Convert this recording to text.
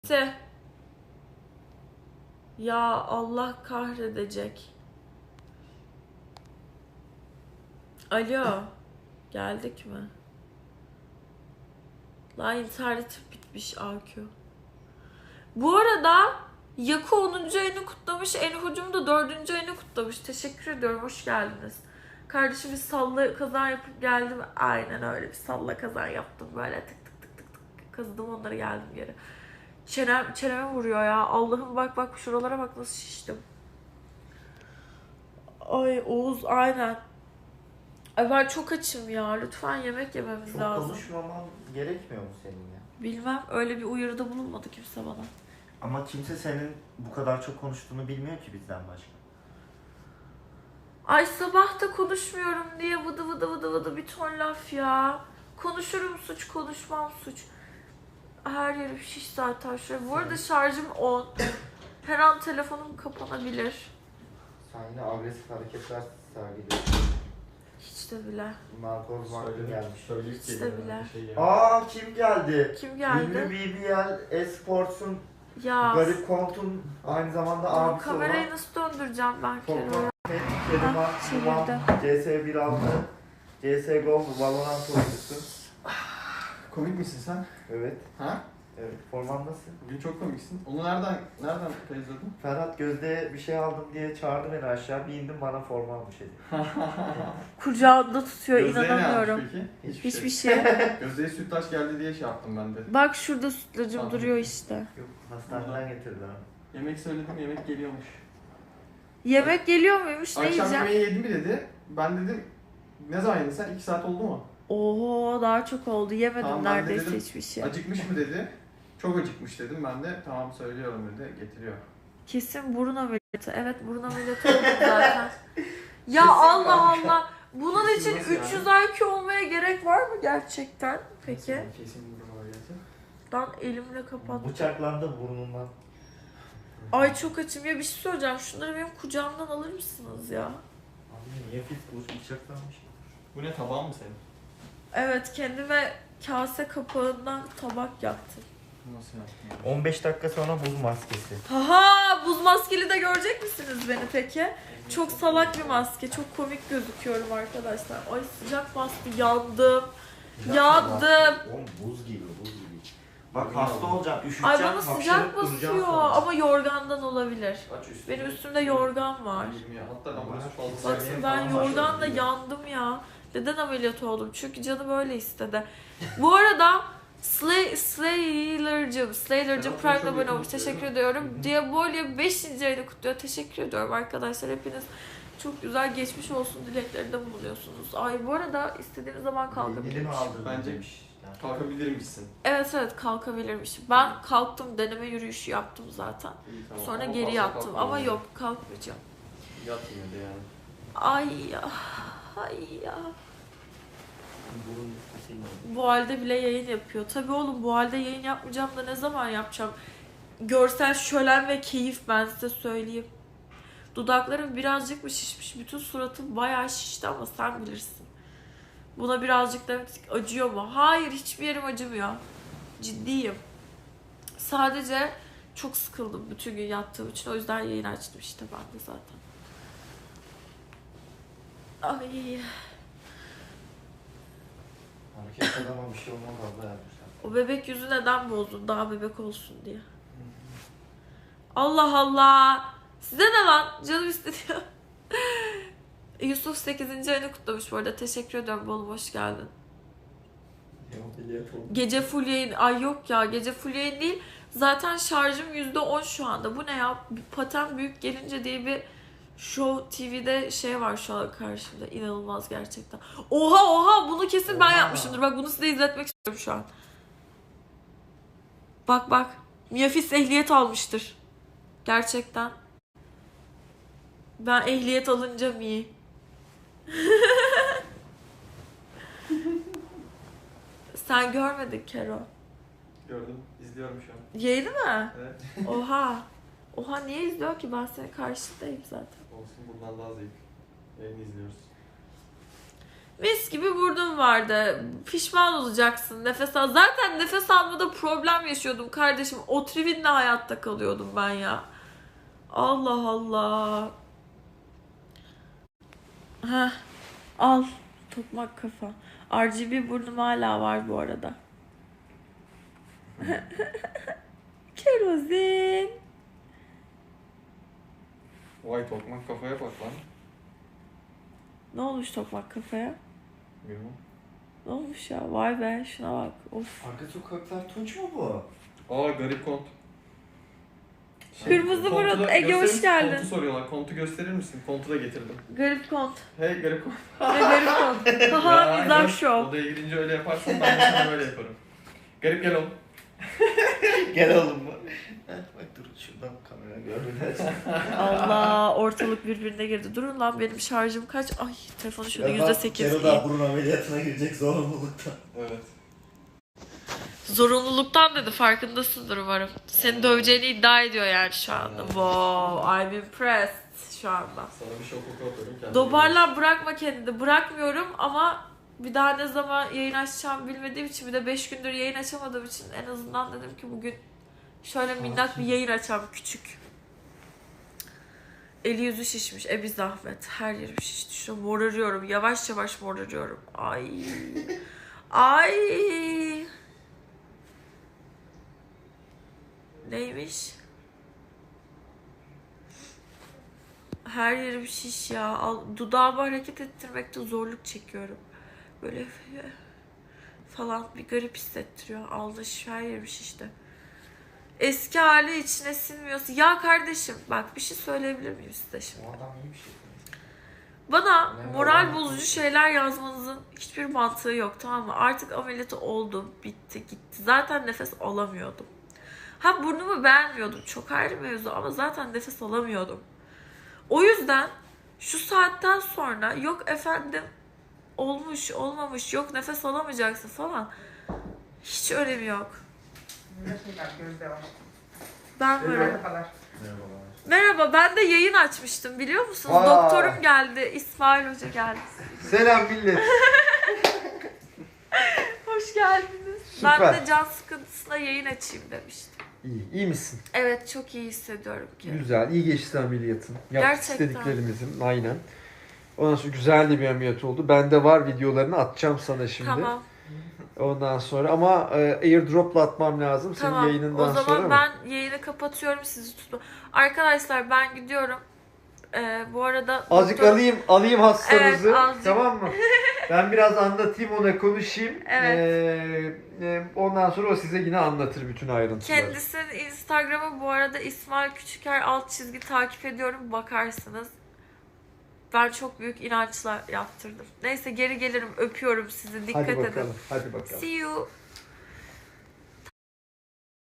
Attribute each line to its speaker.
Speaker 1: Ya Allah kahredecek. Alo. Geldik mi? Lan internetim bitmiş AQ. Bu arada Yaku 10. ayını kutlamış. Enhucum da 4. ayını kutlamış. Teşekkür ediyorum. Hoş geldiniz. Kardeşim bir salla kazan yapıp geldim. Aynen öyle bir salla kazan yaptım. Böyle tık tık tık tık tık kazıdım onları geldim geri. Çeneme vuruyor ya. Allah'ım bak şuralara bak nasıl şiştim. Ay Oğuz aynen. Ay ben çok açım ya. Lütfen yemek yememiz
Speaker 2: Çok
Speaker 1: lazım.
Speaker 2: konuşmaman gerekmiyor mu senin ya?
Speaker 1: Bilmem öyle bir uyarıda bulunmadı kimse bana.
Speaker 2: Ama kimse senin bu kadar çok konuştuğunu bilmiyor ki bizden başka.
Speaker 1: Ay sabah da konuşmuyorum diye vıdı bir ton laf ya. Konuşurum suç, konuşmam suç. Her yerim şiş zaten şuraya. Bu arada şarjım 10. Her an telefonum kapanabilir.
Speaker 2: Sen yine agresif hareketler sergiliyorsun.
Speaker 1: Hiç de bile.
Speaker 2: Narkoz vakti gelmiş.
Speaker 1: Hiç de bile.
Speaker 2: Aa kim geldi?
Speaker 1: Kim geldi?
Speaker 2: Ünlü BBL Esports'un
Speaker 1: Ya.
Speaker 2: Garip Kont'un aynı zamanda abisi olan
Speaker 1: Kamerayı nasıl döndüreceğim ben Kero'ya?
Speaker 2: Kerima Numan,
Speaker 1: çevirdi.
Speaker 2: CS16, CSGO, Valorant oyuncusu.
Speaker 3: Komik misin sen?
Speaker 2: Evet.
Speaker 3: Ha?
Speaker 2: Evet. Forman nasıl?
Speaker 3: Bugün çok komiksin. Onu nereden izledin?
Speaker 2: Ferhat Gözde'ye bir şey aldım diye çağırdı beni aşağı. Bir indim bana forma almış dedi.
Speaker 1: Kucağında tutuyor
Speaker 3: Gözde'ye ne
Speaker 1: inanamıyorum.
Speaker 3: yapmış peki?
Speaker 1: Hiçbir şey.
Speaker 3: Gözde'ye sütlaç geldi diye şey yaptım ben de.
Speaker 1: Bak şurada sütlacım
Speaker 3: Tamam.
Speaker 1: duruyor işte.
Speaker 2: Yok hastaneden getirdi abi.
Speaker 3: Yemek söyledim, yemek geliyormuş.
Speaker 1: Yemek geliyor muymuş? Ne
Speaker 3: Akşam
Speaker 1: yiyeceğim?
Speaker 3: yemeği yedin mi dedi. Ben dedim, ne zaman yedin sen? 2 saat oldu mu?
Speaker 1: Oho daha çok oldu. Yemedim
Speaker 3: Tamam, ben de
Speaker 1: neredeyse
Speaker 3: dedim,
Speaker 1: hiçbir şey.
Speaker 3: Acıkmış mı dedi. Çok acıkmış dedim. Ben de tamam söylüyorum dedi. Getiriyor.
Speaker 1: Kesin burun ameliyatı. Evet burun ameliyatı oldum zaten. Ya
Speaker 2: Kesin
Speaker 1: Allah
Speaker 2: kanka.
Speaker 1: Allah. Bunun
Speaker 3: Kesin
Speaker 1: için
Speaker 3: nasıl
Speaker 1: 300 IQ olmaya gerek var mı gerçekten? Peki.
Speaker 3: Kesin burun ameliyatı.
Speaker 1: Ben elimle kapattım.
Speaker 2: Bıçaklandı burnundan.
Speaker 1: Ay çok açım ya bir şey söyleyeceğim. Şunları benim kucağımdan alır mısınız ya?
Speaker 2: Abi niye fit bıçaklanmış?
Speaker 3: Bu ne, tabağın mı senin?
Speaker 1: Evet kendime kase kapağından tabak yaptım.
Speaker 3: Nasıl yaptın?
Speaker 2: 15 dakika sonra buz maskesi.
Speaker 1: Haha buz maskeli de görecek misiniz beni peki? Çok salak bir maske. Çok komik gözüküyorum arkadaşlar. Ay sıcak bastı. Yandım. Yandım.
Speaker 2: Oğlum buz gibi buz gibi. Bak hasta olacaksın, üşüteceksin,
Speaker 1: Ay bana sıcak
Speaker 2: hapşırıp duracaksın
Speaker 1: basıyor
Speaker 2: sonra.
Speaker 1: ama yorgandan olabilir.
Speaker 3: Aç üstüne.
Speaker 1: Benim üstümde yorgan var.
Speaker 3: Hatta ambalajı fazla
Speaker 1: Bakın
Speaker 3: sevmeyen
Speaker 1: ben
Speaker 3: falan var.
Speaker 1: yorganla yandım ya. Neden ameliyat oldum? Çünkü canım öyle istedi. Bu arada Slayer'cım Prime'la abone olmuş. Teşekkür ediyorum. Diabolia 5. ayını kutluyor. Teşekkür ediyorum arkadaşlar. Hepiniz çok güzel geçmiş olsun dileklerinde bulunuyorsunuz. Ay bu arada istediğiniz zaman
Speaker 2: Elimi
Speaker 1: kalkabilirim.
Speaker 2: aldırdım
Speaker 3: Bence
Speaker 2: demiş.
Speaker 3: kalkabilir misin?
Speaker 1: Evet kalkabilirmişim. Ben kalktım deneme yürüyüşü yaptım zaten.
Speaker 3: İyi, tamam.
Speaker 1: Sonra
Speaker 3: Ama
Speaker 1: geri
Speaker 3: fazla
Speaker 1: yattım
Speaker 3: kalkma
Speaker 1: ama
Speaker 3: yani.
Speaker 1: yok kalkmayacağım.
Speaker 3: Yat yine de yani.
Speaker 1: Ay ya. Ay ya.
Speaker 2: Burun üstüsüyle.
Speaker 1: Bu halde bile yayın yapıyor. Tabii oğlum bu halde yayın yapmayacağım da ne zaman yapacağım? Görsel şölen ve keyif ben size söyleyeyim. Dudaklarım birazcık mı şişmiş? Bütün suratım bayağı şişti ama sen bilirsin. Buna birazcık demek acıyor mu? Hayır hiçbir yerim acımıyor. Ciddiyim. Sadece çok sıkıldım bütün gün yattığım için. O yüzden yayın açtım işte ben de zaten. Ay.
Speaker 2: Hareket adama bir şey olmaz abla yapmışlar.
Speaker 1: O bebek yüzü neden bozdun? Daha bebek olsun diye. Allah Allah. Size ne lan? Canım istedi. Yusuf 8. ayını kutlamış bu arada. Teşekkür ediyorum. Bol hoş geldin. Gece full yayın. Ay yok ya. Gece full yayın değil. Zaten şarjım %10 şu anda. Bu ne ya? Paten büyük gelince diye bir Show TV'de şey var şu an karşımda. İnanılmaz gerçekten. Oha bunu kesin ben
Speaker 2: Oha.
Speaker 1: yapmışımdır. Bak bunu size izletmek istiyorum şu an. Bak. Miyafis ehliyet almıştır. Gerçekten. Ben ehliyet alınca mi? Sen görmedin Kero.
Speaker 3: Gördüm. İzliyorum şu an.
Speaker 1: Yayını mı?
Speaker 3: Evet.
Speaker 1: Oha niye izliyor ki? Ben senin karşındayım zaten.
Speaker 3: Olsun, buradan daha zevk. Yayını izliyoruz.
Speaker 1: Mis gibi burnum vardı. Pişman olacaksın nefes al. Zaten nefes almada problem yaşıyordum kardeşim. Otrivinle hayatta kalıyordum ben ya. Allah Allah. Heh, al. Tokmak kafa. RGB burnum hala var bu arada. Kerozin.
Speaker 3: Vay tokmak kafaya bak lan.
Speaker 1: Ne olmuş tokmak kafaya?
Speaker 3: Bilmem.
Speaker 1: Ne olmuş ya? Vay be şuna bak. Of.
Speaker 2: Arka sokaklar Tunç mu bu?
Speaker 3: Aa garip kont.
Speaker 1: Kırmızı
Speaker 3: Kontu
Speaker 1: burun.
Speaker 3: da
Speaker 1: Ege hoş
Speaker 3: gösterir-
Speaker 1: geldin.
Speaker 3: Kontu soruyorlar. Kontu gösterir misin? Kontu da getirdim.
Speaker 1: Garip kont.
Speaker 3: Hey garip kont.
Speaker 1: Ve garip kont. Haha
Speaker 3: Ya,
Speaker 1: mizah
Speaker 3: aynen.
Speaker 1: şov.
Speaker 3: Odaya girince öyle yaparsan ben de sana böyle yaparım. Garip gel oğlum.
Speaker 2: Gel oğlum mu? Bak dur şuradan kamera görmeden.
Speaker 1: Allah ortalık birbirine girdi. Durun lan benim şarjım kaç? Ay telefonu şurada %8
Speaker 2: Kero
Speaker 1: iyi.
Speaker 2: daha burun ameliyatına girecek zorunluluktan.
Speaker 3: Evet.
Speaker 1: Zorunluluktan dedi farkındasındır umarım. Seni döveceğini iddia ediyor yani şu anda. Wow, I'm impressed şu anda.
Speaker 3: Sana bir şok oku atıyorum. kendine
Speaker 1: Dobarla bırakma kendini. Bırakmıyorum ama bir daha ne zaman yayın açacağım bilmediğim için bir de 5 gündür yayın açamadığım için en azından dedim ki bugün şöyle minnak bir yayın açacağım küçük. Eli yüzü şişmiş. Bir zahmet. Her yerim şişti. Şu morarıyorum. Yavaş yavaş morarıyorum. Ay. Ay. Neymiş? Her yerim şiş ya. Dudağımı hareket ettirmekte zorluk çekiyorum. Böyle falan bir garip hissettiriyor. Aldı her yerim şişti. Eski hali içine sinmiyorsun. Ya kardeşim bak bir şey söyleyebilir miyim size şimdi?
Speaker 2: O adam iyi bir şey.
Speaker 1: Bana
Speaker 2: Ne
Speaker 1: moral
Speaker 2: var?
Speaker 1: bozucu şeyler yazmanızın hiçbir mantığı yok, tamam mı? Artık ameliyatı oldum, bitti, gitti. Zaten nefes alamıyordum. Ha burnumu beğenmiyordum, çok ayrı mevzu ama zaten nefes alamıyordum. O yüzden şu saatten sonra yok efendim olmuş, olmamış, yok nefes alamayacaksın falan. Hiç önemi yok.
Speaker 4: Merhabalar, Gözde var.
Speaker 1: Ben böyle...
Speaker 4: Merhabalar.
Speaker 2: Merhabalar.
Speaker 1: Merhaba, ben de yayın açmıştım biliyor musunuz?
Speaker 2: Aa.
Speaker 1: Doktorum geldi, İsmail Hoca geldi.
Speaker 2: Selam millet.
Speaker 1: Hoş geldiniz.
Speaker 2: Süper.
Speaker 1: Ben de can sıkıntısına yayın açayım demiştim.
Speaker 5: İyi misin?
Speaker 1: Evet, çok iyi hissediyorum ki.
Speaker 5: Güzel, iyi geçti ameliyatın. Yaptık
Speaker 1: Gerçekten.
Speaker 5: istediklerimizin, aynen. Ondan sonra güzel de bir ameliyat oldu. Bende var videolarını atacağım sana şimdi.
Speaker 1: Tamam,
Speaker 5: Ondan sonra ama airdrop'la atmam lazım senin
Speaker 1: tamam.
Speaker 5: yayınından
Speaker 1: O zaman
Speaker 5: sonra mı?
Speaker 1: ben yayını kapatıyorum, sizi tutma. Arkadaşlar ben gidiyorum. Bu arada...
Speaker 5: Azıcık
Speaker 1: doktor-
Speaker 5: alayım hastamızı.
Speaker 1: Evet, azıcık.
Speaker 5: Tamam mı? Ben biraz anlatayım ona, konuşayım.
Speaker 1: Evet.
Speaker 5: Ondan sonra o size yine anlatır bütün ayrıntıları.
Speaker 1: Kendisinin Instagram'ı bu arada İsmail Küçüker _ takip ediyorum, bakarsınız. Ben çok büyük inançla yaptırdım. Neyse geri gelirim, öpüyorum sizi, dikkat
Speaker 5: Hadi
Speaker 1: edin.
Speaker 5: bakalım. Hadi bakalım.
Speaker 1: See you.